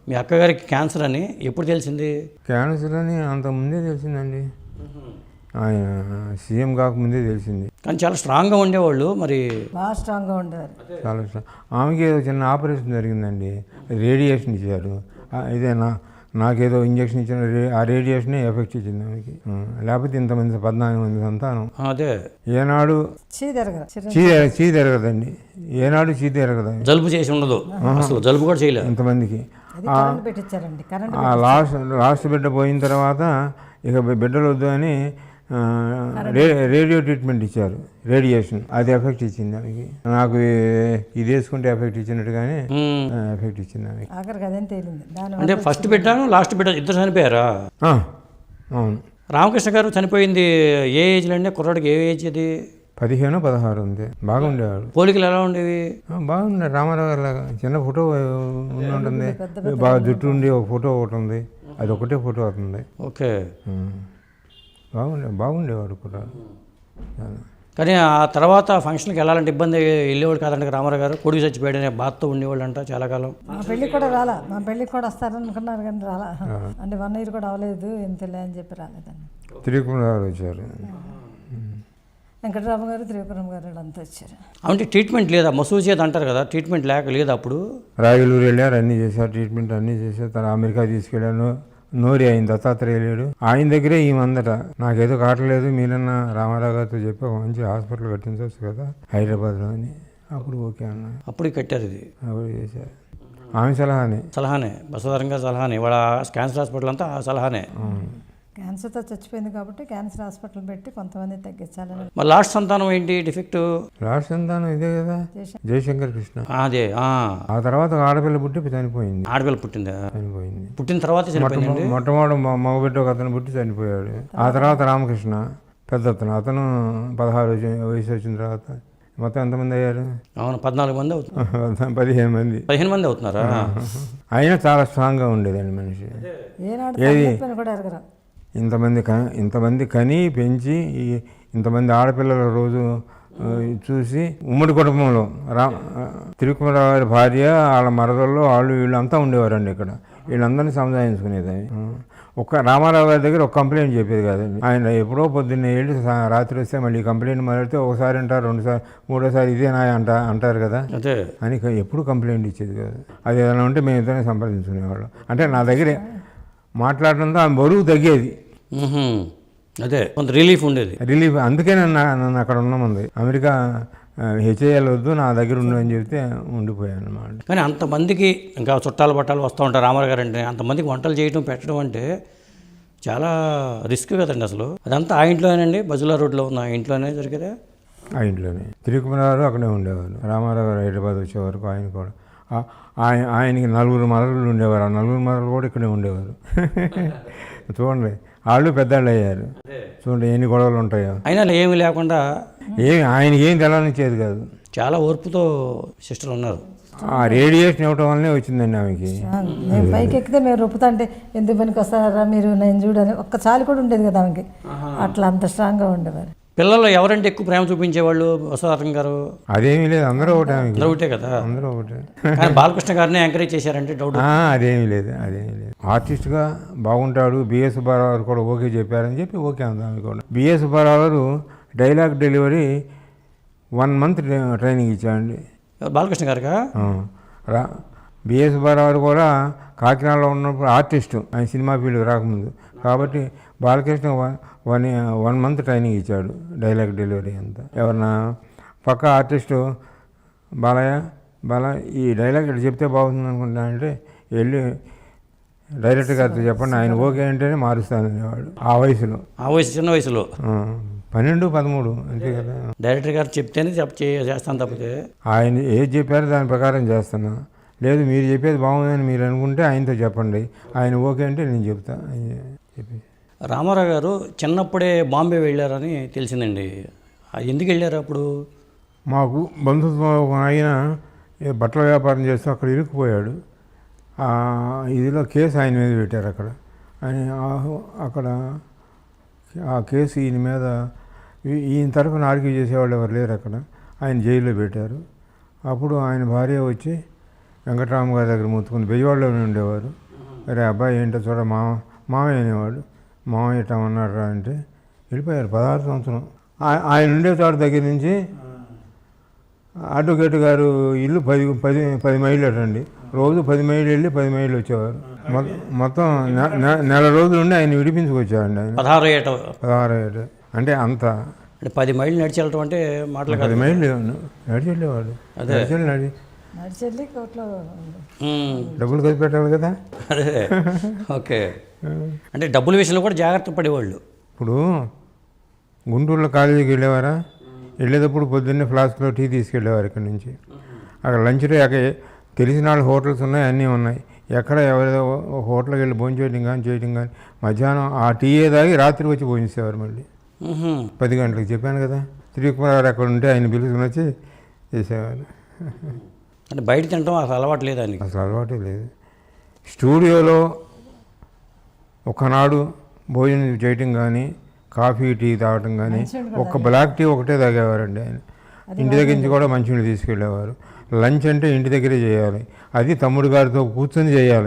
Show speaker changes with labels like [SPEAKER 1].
[SPEAKER 1] మీ అక్కగారికి cancer అని ఎప్పుడు తెలిసింది?
[SPEAKER 2] క్యాన్సర్ అని అంతకుముందే తెలిసిందండి. ఆయన సీఎం కాకముందే తెలిసింది.
[SPEAKER 1] కానీ చాలా స్ట్రాంగ్గా ఉండేవాళ్ళు. మరి
[SPEAKER 3] బాగా స్ట్రాంగ్గా ఉండేవారు.
[SPEAKER 2] చాలా ఆమెకి ఏదో చిన్న ఆపరేషన్ జరిగిందండి, రేడియేషన్ ఇచ్చారు. ఇదేనా నాకేదో ఇంజక్షన్ ఇచ్చిన ఆ రేడియేషనే ఎఫెక్ట్ ఇచ్చింది ఆమెకి. లేకపోతే ఇంతమంది 14 మంది సంతానం.
[SPEAKER 1] అదే
[SPEAKER 2] ఏనాడు చీ తిరగదండి, ఏనాడు చీ తిరగదు.
[SPEAKER 1] జలుబు చేసి ఉండదు అసలు, జలుబు కూడా చేయలేదు
[SPEAKER 2] ఇంతమందికి.
[SPEAKER 3] పెట్టించారండి
[SPEAKER 2] లాస్ట్ బిడ్డ పోయిన తర్వాత ఇక బిడ్డలు వద్దు అని రేడియో ట్రీట్మెంట్ ఇచ్చారు, రేడియేషన్. అది ఎఫెక్ట్ ఇచ్చింది ఆమెకి. నాకు ఇది వేసుకుంటే ఎఫెక్ట్ ఇచ్చినట్టుగానే ఎఫెక్ట్ ఇచ్చింది ఆమెకి.
[SPEAKER 1] అంటే ఫస్ట్ బిడ్డ లాస్ట్ బిడ్డ ఇద్దరు చనిపోయారా?
[SPEAKER 2] అవును.
[SPEAKER 1] రామకృష్ణ గారు చనిపోయింది ఏ ఏజ్లో అండి? కుర్రాడికి ఏ ఏజ్ అది?
[SPEAKER 2] 15, 16 ఉంది. బాగుండేవాడు.
[SPEAKER 1] పోలికలు ఎలా ఉండేవి?
[SPEAKER 2] బాగుండే. రామారావు గారి లాగా చిన్న ఫోటో ఉంటుంది, బాగా జుట్టు ఉండి ఒక ఫోటో ఒకటి ఉంది, అది ఒకటే ఫోటో అవుతుంది.
[SPEAKER 1] ఓకే.
[SPEAKER 2] బాగుండేవాడు కూడా.
[SPEAKER 1] కానీ ఆ తర్వాత ఫంక్షన్కి వెళ్ళాలంటే ఇబ్బంది, వెళ్ళేవాడు కాదంట రామారావు గారు. కొడుకు చచ్చిపోయాడనే బాధతో ఉండేవాళ్ళు అంట చాలా కాలం.
[SPEAKER 3] మా పెళ్ళికి కూడా రాలా, మా పెళ్ళికి కూడా వస్తారనుకున్నారు కానీ రాలా. అంటే 1 year కూడా అవ్వలేదు, ఎంతలే అని చెప్పి రాలేదండి.
[SPEAKER 2] త్రికుమార్ వచ్చారు,
[SPEAKER 3] వెంకటరామ గారు, త్రివిక్రమ్ గారు అంతా వచ్చారు.
[SPEAKER 1] అంటే ట్రీట్మెంట్ లేదా? మసూజ్ చేది అంటారు కదా, ట్రీట్మెంట్ లేదు అప్పుడు.
[SPEAKER 2] రాయలూరు వెళ్ళారు, అన్నీ చేశారు, ట్రీట్మెంట్ అన్నీ చేశారు. తను అమెరికా తీసుకెళ్ళాను. నోరి ఆయన దత్తాత్రేయ లేడు, ఆయన దగ్గరే ఈమందట నాకేదో కావట్లేదు, మీరన్నా రామారావు గారితో చెప్పి ఒక మంచి హాస్పిటల్ కట్టించవచ్చు కదా హైదరాబాద్లో అని. అప్పుడు ఓకే అన్న,
[SPEAKER 1] అప్పుడు కట్టారు. ఇది
[SPEAKER 2] అప్పుడు చేశారు. ఆమె సలహానే బసవతారం గారి సలహానే. వాళ్ళ క్యాన్సర్ హాస్పిటల్ అంతా ఆ సలహానే.
[SPEAKER 3] క్యాన్సర్తో చచ్చిపోయింది కాబట్టి క్యాన్సర్ హాస్పిటల్ పెట్టి కొంతమంది తగ్గించాలని.
[SPEAKER 1] మరి లాస్ట్ సంతానం ఏంటి డిఫెక్ట్?
[SPEAKER 2] లాస్ట్ సంతానం ఇదే కదా, జయశంకర్ కృష్ణ.
[SPEAKER 1] అదే.
[SPEAKER 2] ఆ తర్వాత ఆడపిల్ల పుట్టి చనిపోయింది.
[SPEAKER 1] ఆడపిల్ల పుట్టిందా?
[SPEAKER 2] చనిపోయింది.
[SPEAKER 1] పుట్టిన తర్వాత చనిపోయింది.
[SPEAKER 2] మొట్టమొదటి మగబిడ్డ ఒక అతను పుట్టి చనిపోయాడు. ఆ తర్వాత రామకృష్ణ పెద్ద అతను 16 వయసు వచ్చిన తర్వాత మొత్తం ఎంతమంది అయ్యారు?
[SPEAKER 1] అవును, 14 మంది అవుతున్నారు.
[SPEAKER 2] 15 మంది
[SPEAKER 1] అవుతున్నారా?
[SPEAKER 2] అయినా చాలా స్ట్రాంగ్గా ఉండేదండి మనిషి. ఇంతమంది కని పెంచి ఇంతమంది ఆడపిల్లల రోజు చూసి ఉమ్మడి కుటుంబంలో తిరుకుమరావు గారి భార్య, వాళ్ళ మరదల్లో వాళ్ళు వీళ్ళు అంతా ఉండేవారండి ఇక్కడ. వీళ్ళందరినీ సముదాయించుకునేది. ఒక రామారావు గారి దగ్గర ఒక కంప్లైంట్ చెప్పేది కాదండి. ఆయన ఎప్పుడో పొద్దున్నే వెళ్ళి రాత్రి వస్తే మళ్ళీ కంప్లైంట్ మొదలెడితే ఒకసారి అంటారు, 2సారి, 3ఓసారి ఇదేనా అంటారు కదా అని ఎప్పుడు కంప్లైంట్ ఇచ్చేది కాదు. అది ఏదైనా ఉంటే మేము ఇద్దరిని సంప్రదించుకునేవాళ్ళం. అంటే నా దగ్గర మాట్లాడడంతో ఆమె బరువు తగ్గేది.
[SPEAKER 1] అదే కొంత రిలీఫ్ ఉండేది.
[SPEAKER 2] అందుకే నన్ను అక్కడ ఉన్నామంది. అమెరికా హెచ్ఏఎల్ వద్దు, నా దగ్గర ఉండు అని చెప్తే ఉండిపోయాను అన్నమాట.
[SPEAKER 1] కానీ అంతమందికి ఇంకా చుట్టాలు పట్టాలు వస్తూ ఉంటారు రామారావు గారు అంటే. అంతమందికి వంటలు చేయడం పెట్టడం అంటే చాలా రిస్క్ కదండి అసలు. అదంతా ఆ ఇంట్లోనేనండి, బజులా రోడ్లో ఉన్న ఆ ఇంట్లోనే జరిగేదా?
[SPEAKER 2] ఆ ఇంట్లోనే. తిరుకుమరావు అక్కడే ఉండేవారు. రామారావు గారు హైదరాబాద్ వచ్చే వరకు ఆయన కూడా. ఆయనకి 4 మరలు ఉండేవారు. ఆ 4 మరలు కూడా ఇక్కడే ఉండేవారు. చూడండి, వాళ్ళు పెద్దవాళ్ళు అయ్యారు. చూడండి ఎన్ని గొడవలు ఉంటాయో.
[SPEAKER 1] అయినా ఏమి లేకుండా
[SPEAKER 2] ఆయనకి ఏం తెలవనిచ్చేది కాదు.
[SPEAKER 1] చాలా ఓర్పుతో సిస్టర్ ఉన్నారు.
[SPEAKER 2] ఆ రేడియేషన్ ఇవ్వటం వల్లనే వచ్చిందండి ఆమెకి.
[SPEAKER 3] మేము పైకి ఎక్కితే మేము రొప్పుతా అంటే ఎందుకు పనికి వస్తారా మీరు, నేను చూడని ఒక్కసారి కూడా ఉండేది కదా ఆమెకి. అట్లా అంత స్ట్రాంగ్గా ఉండేవారు.
[SPEAKER 1] పిల్లలు ఎవరంటే ఎక్కువ ప్రేమ చూపించేవాళ్ళు బసవతారం గారు?
[SPEAKER 2] అదేమీ లేదు, అందరూ ఒకటే.
[SPEAKER 1] ఒకటే కదా,
[SPEAKER 2] అందరూ ఒకటే.
[SPEAKER 1] కానీ బాలకృష్ణ గారిని ఎంకరేజ్ చేశారంటే డౌట్?
[SPEAKER 2] అదేమీ లేదు. ఆర్టిస్ట్గా బాగుంటాడు. బిఎస్ సుబ్బారావు గారు కూడా ఓకే చెప్పారని చెప్పి ఓకే అందాము కూడా. బిఎస్ సుబ్బారావు గారు డైలాగ్ డెలివరీ 1 month ట్రైనింగ్ ఇచ్చాడండి.
[SPEAKER 1] బాలకృష్ణ గారుగా?
[SPEAKER 2] బిఎస్ సుబ్బారావు గారు కూడా కాకినాడలో ఉన్నప్పుడు ఆర్టిస్టు, ఆయన సినిమా ఫీల్డ్ రాకముందు. కాబట్టి బాలకృష్ణ 1 month ట్రైనింగ్ ఇచ్చాడు, డైలాగ్ డెలివరీ అంతా. ఎవరన్నా పక్క ఆర్టిస్టు బాలయ్య ఈ డైలాగ్ ఇక్కడ చెప్తే బాగుంటుంది అనుకుంటా అంటే వెళ్ళి డైరెక్టర్ గారితో చెప్పండి, ఆయన ఓకే అంటేనే మారుస్తాను అనేవాడు. ఆ వయసులో,
[SPEAKER 1] చిన్న వయసులో
[SPEAKER 2] 12, 13 అంతే కదా.
[SPEAKER 1] డైరెక్టర్ గారు చెప్తేనే చేస్తాను తప్పితే
[SPEAKER 2] ఆయన ఏది చెప్పారో దాని ప్రకారం చేస్తున్నా. లేదు మీరు చెప్పేది బాగుందని మీరు అనుకుంటే ఆయనతో చెప్పండి, ఆయన ఓకే అంటే నేను చెప్తా అని చెప్పి.
[SPEAKER 1] రామారావు గారు చిన్నప్పుడే బాంబే వెళ్ళారని తెలిసిందండి. ఎందుకు వెళ్ళారు అప్పుడు?
[SPEAKER 2] మాకు బంధుత్వం ఆయన బట్టల వ్యాపారం చేస్తూ అక్కడ ఇరుక్కుపోయాడు. ఇదిలో కేసు ఆయన మీద పెట్టారు అక్కడ. ఆయన అక్కడ ఆ కేసు ఈయన మీద, ఈయన తరఫున ఆర్గ్యూ చేసేవాళ్ళు ఎవరు లేరు అక్కడ. ఆయన జైల్లో పెట్టారు. అప్పుడు ఆయన భార్య వచ్చి వెంకటరామ గారి దగ్గర ముత్తుకుని బెయ్యవాడలోనే ఉండేవారు. అరే అబ్బాయి ఏంటో చూడ మామయ్య అనేవాడు. మామయ్య ఇట్లా ఉన్నారా అంటే వెళ్ళిపోయారు 16 సంవత్సరం. ఆయన ఉండే చోట దగ్గర నుంచి అడ్వకేట్ గారు ఇల్లు 10 మైళ్ళు అటండి. రోజు 10 మైళ్ళు వెళ్ళి 10 మైళ్ళు వచ్చేవారు. మొత్తం నెల రోజులు ఉండి ఆయన విడిపించుకొచ్చారండి. ఆయన 16 ఏట అంటే అంత
[SPEAKER 1] అంటే 10 మైళ్ళు నడిచి వెళ్ళటం అంటే మాటలు
[SPEAKER 2] 10 మైళ్ళు నడిచి వెళ్ళేవాడు.
[SPEAKER 3] నడిచెళ్ళి కోట్లో
[SPEAKER 2] డబ్బులు ఖర్చు పెట్టాలి కదా.
[SPEAKER 1] అదే ఓకే. అంటే డబ్బుల విషయంలో కూడా జాగ్రత్త పడేవాళ్ళు.
[SPEAKER 2] ఇప్పుడు గుంటూరులో కాలేజీకి వెళ్ళేవారా, వెళ్ళేటప్పుడు పొద్దున్నే ఫ్లాస్క్లో టీ తీసుకెళ్ళేవారు ఇక్కడి నుంచి. అక్కడ లంచ్ అక్కడ తెలిసిన వాళ్ళ హోటల్స్ ఉన్నాయి, అన్నీ ఉన్నాయి. ఎక్కడ ఎవరిదో హోటల్కి వెళ్ళి భోజనం చేయడం కానీ మధ్యాహ్నం ఆ టీయే తాగి రాత్రి వచ్చి భోజనిసేవారు. మళ్ళీ 10 గంటలకు చెప్పాను కదా. శ్రీకుమార్ అక్కడ ఉంటే ఆయన పిలుచుకుని వచ్చి చేసేవారు.
[SPEAKER 1] అంటే బయట తినడం అసలు అలవాటు లేదు ఆయనకి.
[SPEAKER 2] అసలు అలవాటే లేదు. స్టూడియోలో ఒకనాడు భోజనం చేయటం కానీ కాఫీ టీ తాగటం కానీ ఒక్క బ్లాక్ టీ ఒకటే తాగేవారండి ఆయన. ఇంటి దగ్గర నుంచి కూడా మంచినీళ్ళు తీసుకెళ్ళేవారు. లంచ్ అంటే ఇంటి దగ్గరే చేయాలి, అది తమ్ముడు గారితో కూర్చొని చేయాలి.